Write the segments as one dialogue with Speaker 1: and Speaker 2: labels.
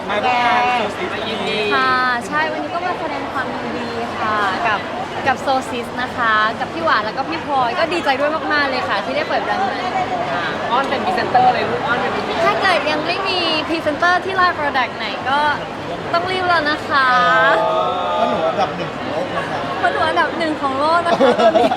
Speaker 1: มาร่วมงานโซซิสยินดี
Speaker 2: ค่ะใช่วันนี้ก็มาแสดงความยินดีค่ะกับโซซิสนะคะกับพี่หวานแล้วก็พี่พลอยก็ดีใจด้วยมากๆเลยค่ะที่ได้เปิดแบรนด์ใหม่
Speaker 1: อ้อนเป็นพรีเซนเตอร์เลยลูกอ้อนเป็นพรีเซนเตอร์
Speaker 2: ถ้าเกิดยังไม่มีพรีเซนเตอร์ที่ไลน์โปรดักต์ไหนก็ต้องรีบแล้วนะคะ
Speaker 3: เพราะหนูอันดับหนึ่งของโลกนะคะ
Speaker 2: เพราะหนูอันดับหนึ่งของโลกนะคะตอนนี้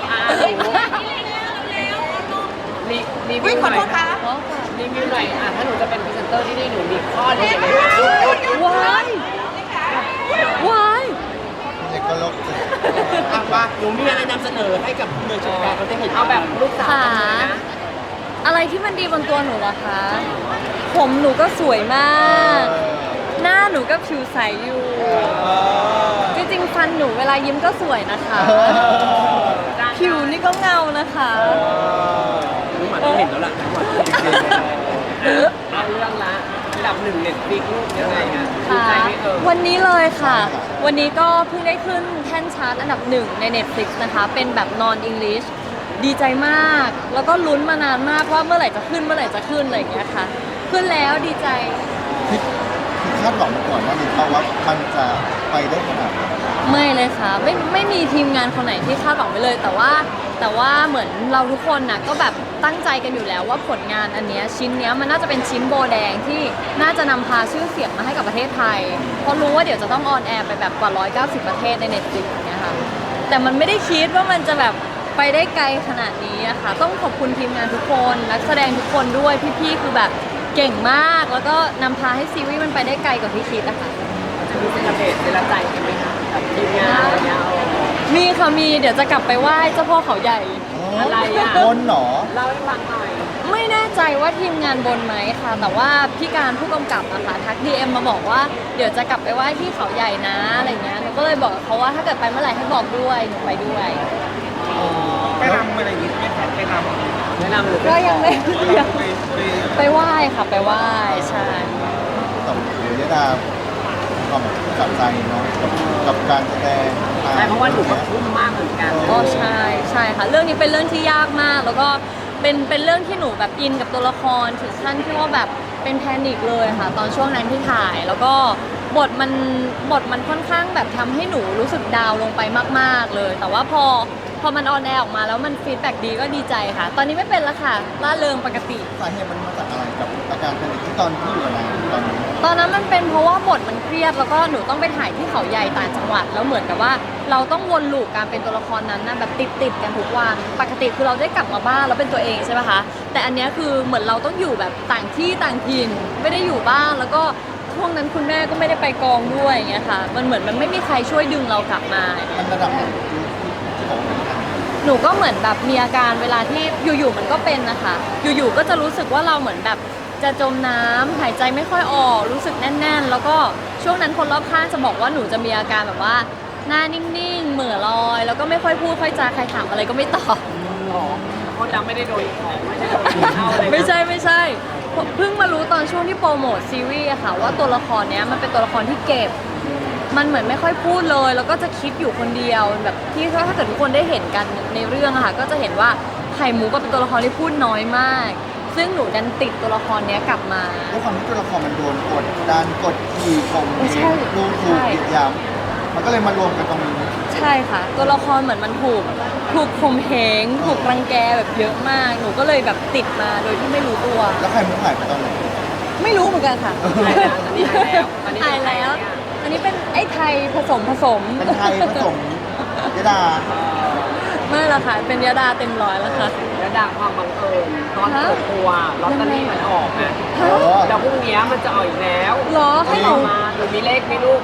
Speaker 1: รีวิวหน่อยรีวิวหน่อยถ้าหนูจะเป็นพรีเซนเตอร์ที่นี่หนูมีข้อดียังไงบ้าง
Speaker 2: ว้ายวาย
Speaker 3: เด็กก็โลก
Speaker 1: ว่าหนูมีอะไรนำเสนอให้กับเมืองชนการเขาได้เห็นเอาแบบลูกสาว
Speaker 2: ค่ะ
Speaker 1: เลยนะ
Speaker 2: อะไรที่มันดีบนตัวหนูล่ะคะ ผมหนูก็สวยมาก หน้าหนูก็ผิวใสอยู่ จริงๆฟันหนูเวลายิ้มก็สวยนะคะ ผิวนี่ก็เงานะคะ
Speaker 1: รู้หมาต้องเห็นแล้วล่ะทั้งหมดเอาเรื่องละอันดับหนึ่งเน็ตฟิกลูกยังไงคะดี
Speaker 2: ค่ะ
Speaker 1: ใจไหม
Speaker 2: วันนี้เลยค่ะ วันนี้ก็เพิ่งได้ขึ้นแท่นชาร์ตอันดับหนึ่งใน Netflix นะคะ เป็นแบบ non English ดีใจมาก แล้วก็ลุ้นมานานมากว่าเมื่อไหร่จะขึ้นเมื่อไหร่จะขึ้นอะไรอย่างเงี้ยค่ะ ขึ้นแล้วดีใจ
Speaker 3: คิดคาดหวังมาก่อนว่านี่เขาว่ามันจะไปได้ขนาดไหน
Speaker 2: ไม่เลยค่ะไม่มีทีมงานคนไหนที่คาดหวังไปเลย แต่ว่าเหมือนเราทุกคนน่ะก็แบบตั้งใจกันอยู่แล้วว่าผลงานอันเนี้ยชิ้นเนี้ยมันน่าจะเป็นชิ้นโบแดงที่น่าจะนำพาชื่อเสียงมาให้กับประเทศไทยเพราะรู้ว่าเดี๋ยวจะต้องออนแอร์ไปแบบกว่า190ประเทศใน Netflix อย่างเงี้ยค่ะแต่มันไม่ได้คิดว่ามันจะแบบไปได้ไกลขนาดนี้อะค่ะต้องขอบคุณทีมงานทุกคนนักแสดงทุกคนด้วยพี่ๆคือแบบเก่งมากแล้วก็นำพาให้ซีรีส์มันไปได้ไกลกว่าที่คิดอะค่ะ
Speaker 1: จะมีเซเลบเรตเซเลใจกันไหมคะกับทีมงานอะไรเงี้ย
Speaker 2: มีค่ะมีเดี๋ยวจะกลับไปไหว้เจ้าพ่อเขาใหญ่
Speaker 1: อะไรอ่ะ
Speaker 3: บนหนอ
Speaker 1: เล่าให้ฟังหน่อย
Speaker 2: ไม่แน่ใจว่าทีมงานบนไหมค่ะ แต่ว่าพี่การผู้กำกับอะค่ะทัก DM มาบอกว่าเดี๋ยวจะกลับไปไหว้ที่เขาใหญ่นะอะไรเงี้ยหนูก็เลยบอกกับเขาว่าถ้าเกิดไปเมื่อไหร่ให้บอกด้วยหนูไปด้วย
Speaker 4: ไปรำอะไรอย่างงี้ใช่ไหมครับไปรำ
Speaker 1: แนะนำหนู
Speaker 2: ก็ยังไม่
Speaker 4: ไป
Speaker 2: ไปไหว้ค่ะไปไหว้ใช่
Speaker 3: แต่เดี๋ยวยดาความจับใจเนาะกับการแสดง
Speaker 1: ใช่เพราะว่าหนูก็ทุ่มมากเหมือนกัน
Speaker 2: ก็ใช่ใช่ค่ะ เรื่องนี้เป็นเรื่องที่ยากมาก แล้วก็เป็นเรื่องที่หนูแบบอินกับตัวละครถึงขั้นที่ว่าแบบเป็นแพนิคเลยค่ะ ตอนช่วงนั้นที่ถ่าย แล้วก็บทมันค่อนข้างแบบทำให้หนูรู้สึกดาวน์ลงไปมากๆเลย แต่ว่าพอมันออนแอร์ออกมาแล้วมันฟีดแบ็กดีก็ดีใจค่ะ ตอนนี้ไม่เป็นแล้วค่ะร่าเริงปกติ
Speaker 3: สาเหตุมันมาจากอะไรกับอาการแพนิคที่ตอนที่อยู่กับนางตอนนี้
Speaker 2: ตอนนั้นมันเป็นเพราะว่าบทมันเครียดแล้วก็หนูต้องไปถ่ายที่เขาใหญ่ต่างจังหวัดแล้วเหมือนกับว่าเราต้องวนลูปการเป็นตัวละครนั้นนะแบบติดกันทุกวันปกติคือเราได้กลับมาบ้านแล้วเป็นตัวเองใช่ไหมคะแต่อันเนี้ยคือเหมือนเราต้องอยู่แบบต่างที่ต่างถิ่นไม่ได้อยู่บ้านแล้วก็ช่วงนั้นคุณแม่ก็ไม่ได้ไปกองด้วยอย่างเงี้ยค่ะมันเหมือนมันไม่มีใครช่วยดึงเรากลับมา
Speaker 3: มันระดับไหนที่บอกว่า
Speaker 2: หนูก็เหมือนแบบมีอาการเวลาที่อยู่ๆมันก็เป็นนะคะอยู่ๆก็จะรู้สึกว่าเราเหมือนแบบจะจมน้ำหายใจไม่ค่อยออกรู้สึกแน่นๆ แล้วก็ช่วงนั้นคนรอบข้างจะบอกว่าหนูจะมีอาการแบบว่าหน้านิ่งๆเหม่อลอย แล้วก็ไม่ค่อยพูดค่อยจาใครถามอะไรก็ไม่ตอบ
Speaker 1: หรอเขาจำไม่ได้โดยของไม่ได้โดยเข้าเลย
Speaker 2: ไม่ใช่เพิ่งมารู้ตอนช่วงที่โปรโมทซีรีส์อะค่ะว่าตัวละครเนี้ยมันเป็นตัวละครที่เก็บ มันเหมือนไม่ค่อยพูดเลย แล้วก็จะคิดอยู่คนเดียวแบบที่ถ้าเกิดทุกคนได้เห็นกันในเรื่องอะค่ะก็จะเห็นว่าไข่มุกก็เป็นตัวละครที่พูดน้อยมาก ซึ่งหนูดันติดตัวละครเนี้ยกลับมา
Speaker 3: ด้วยความที่ตัวละครมันโดนกดดันกดขี่ข่ม
Speaker 2: ใช่
Speaker 3: ดูถูกเหยียดหยามมันก็เลยมารวมกันตรงนี้
Speaker 2: ใช่ค่ะ ตัวละครเหมือนมันถูกข่มเหงถูกรังแกแบบเยอะมาก หนูก็เลยแบบติดมาโดยที่ไม่รู้ตัว
Speaker 3: แล้วใครมุกหายไปตอนไหน
Speaker 2: ไม่รู้เหมือนกันค่ะ
Speaker 1: หายแล้ว
Speaker 2: อันนี้เป็นไอ้ไทยผสม
Speaker 3: เป็นไทยผสมยดา
Speaker 2: ไม่ละค่ะ เป็นยาดาเต็มร้อยแล้วค่ะ
Speaker 1: แล้วด่าความบังเอิญตอนเปิดตัวลอตเตอรี่มันออกนะ
Speaker 3: เออ
Speaker 1: เดี๋ยวพรุ่งนี้มันจะออกอีกแล้ว
Speaker 2: เหรอให้หนู
Speaker 1: มาหนูมีเลขไหมลูก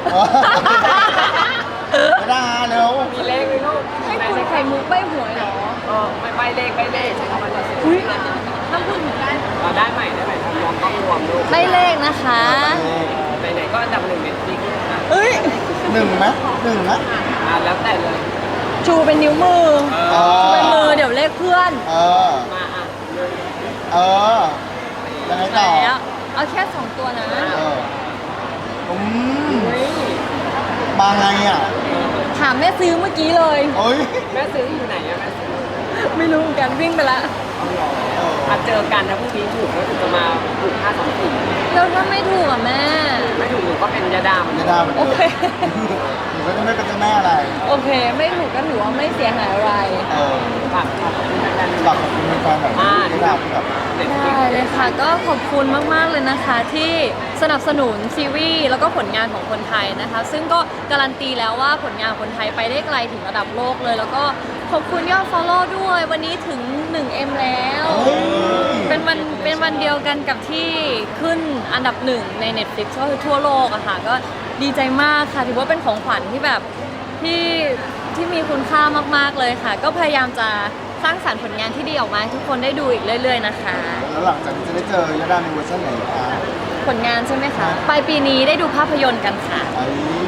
Speaker 3: ยดาเร็ว
Speaker 1: มีเลขไหมลูก
Speaker 2: ให้คุณไข่มุกใบหวยเหรอ
Speaker 1: ไม่ใบเลขใช้คำว่าจะ
Speaker 2: อุ้ยห้ามพูดเหมือนกัน
Speaker 1: ได้ใหม่รวมต้องรวมลูก
Speaker 2: ใบเลขนะคะ
Speaker 1: ไหนๆก็อันดับหนึ่งเน็ตฟลิกซ์นะ
Speaker 2: เอ้ย
Speaker 3: หนึ่งไหมหนึ่งนะ
Speaker 1: แล้วแต่เลย
Speaker 2: ชูเป็นนิ้วมือ
Speaker 3: เอ
Speaker 2: ชูเป็นมือ
Speaker 3: อ
Speaker 2: เดี๋ยวเลขเพื่อน
Speaker 3: เออ
Speaker 1: มาเลย
Speaker 3: เออยังไงต่อ
Speaker 2: แล้วเอาแค่2ตัวนะ
Speaker 3: เอออืมมาไงอ่ะ
Speaker 2: ถามแม่ซื้อเมื่อกี้เลย
Speaker 3: โอ้ย
Speaker 1: แม่ซื้ออยู่ไหนอะแม่ซื้อ
Speaker 2: ไม่รู้เหมือนกันวิ่งไปละ
Speaker 3: เออ
Speaker 1: เจอกันถ้าพรุ่งนี้ถูกก็ถึงจะมาถูก524
Speaker 2: แล้วถ้าไม่ถูกอ่ะแม่
Speaker 1: ไม่ถูกหนูก็เป็นยาดาม
Speaker 3: ยาดาเหมือน
Speaker 2: โอ
Speaker 3: เดิม
Speaker 2: เค
Speaker 3: หนูก็จะไม่เป็นเจ้าแม่อะไร
Speaker 2: โอเค ไม่ถูกก็ถือว่าไม่เสียหายอะไร
Speaker 1: ฝากขอบคุณแฟนๆ
Speaker 3: ฝากขอบคุณแฟนๆแบบยาดาที่แบบ
Speaker 1: เด็ก
Speaker 2: ได้เลยค่ะ ก็ขอบคุณมาก ๆ เลยนะคะ ที่สนับสนุนซีรีส์แล้วก็ผลงานของคนไทยนะคะ ซึ่งก็การันตีแล้วว่าผลงานคนไทยไปได้ไกลถึงระดับโลกเลย แล้วก็ขอบคุณยอด follow ด้วย วันนี้ถึง 1M แล้ว เป็นวันเดียวกันกับที่ขึ้นอันดับหนึ่งใน Netflix ก็คือทั่วโลกอะค่ะ ก็ดีใจมากค่ะ ถือว่าเป็นของขวัญที่แบบที่มีคุณค่ามาก ๆ เลยค่ะ ก็พยายามจะสร้างสรรค์ผลงานที่ดีออกมาให้ทุกคนได้ดูอีกเรื่อย ๆ นะคะ
Speaker 3: แล้วหลังจากนี้จะได้เจอยาดาในเวอร์ชันไหนคะ
Speaker 2: ผลงานใช่ไหมคะ ปลายปีนี้ได้ดูภาพยนตร์กันค่ะ
Speaker 3: ไอ้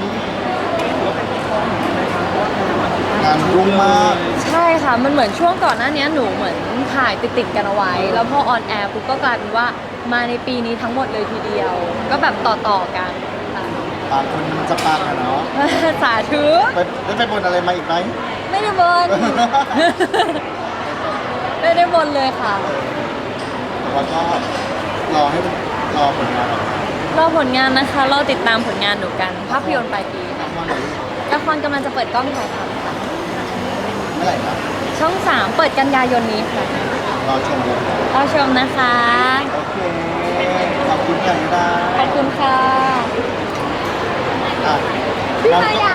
Speaker 3: งานรุ่งมาก
Speaker 2: ใช่ค่ะ มันเหมือนช่วงก่อนหน้านี้หนูเหมือนถ่ายติดกันเอาไว้ แล้วพอออนแอร์ปุ๊บก็กลายเป็นว่ามาในปีนี้ทั้งหมดเลยทีเดียว ก็แบบต่อกันค่ะ
Speaker 3: บางคนมันจะปังอะเนาะ
Speaker 2: สาธุ
Speaker 3: ได้ไปบนอะไรมาอีกไหม
Speaker 2: ไม่ได้บน ไม่ได้บนเลยค่ะ
Speaker 3: แต่ว่าก็รอผลงานออกมาร
Speaker 2: อผลงานนะคะ รอติดตามผลงานหนูกัน ภาพยนตร์ปลายปีค่ะ
Speaker 3: ว่าไหน
Speaker 2: ละครกำลังจะเปิดกล้องถ่ายทำค่ะ
Speaker 3: เมื่อไหร่นะ
Speaker 2: ช่อง 3 เปิดกันยายนนี้ค่ะ
Speaker 3: รอชมเลย
Speaker 2: รอชมนะคะ
Speaker 3: โอเค ขอบคุณค่ะยาดา
Speaker 2: ขอบคุณค่ะ
Speaker 3: อ่ะ
Speaker 2: พี่มายา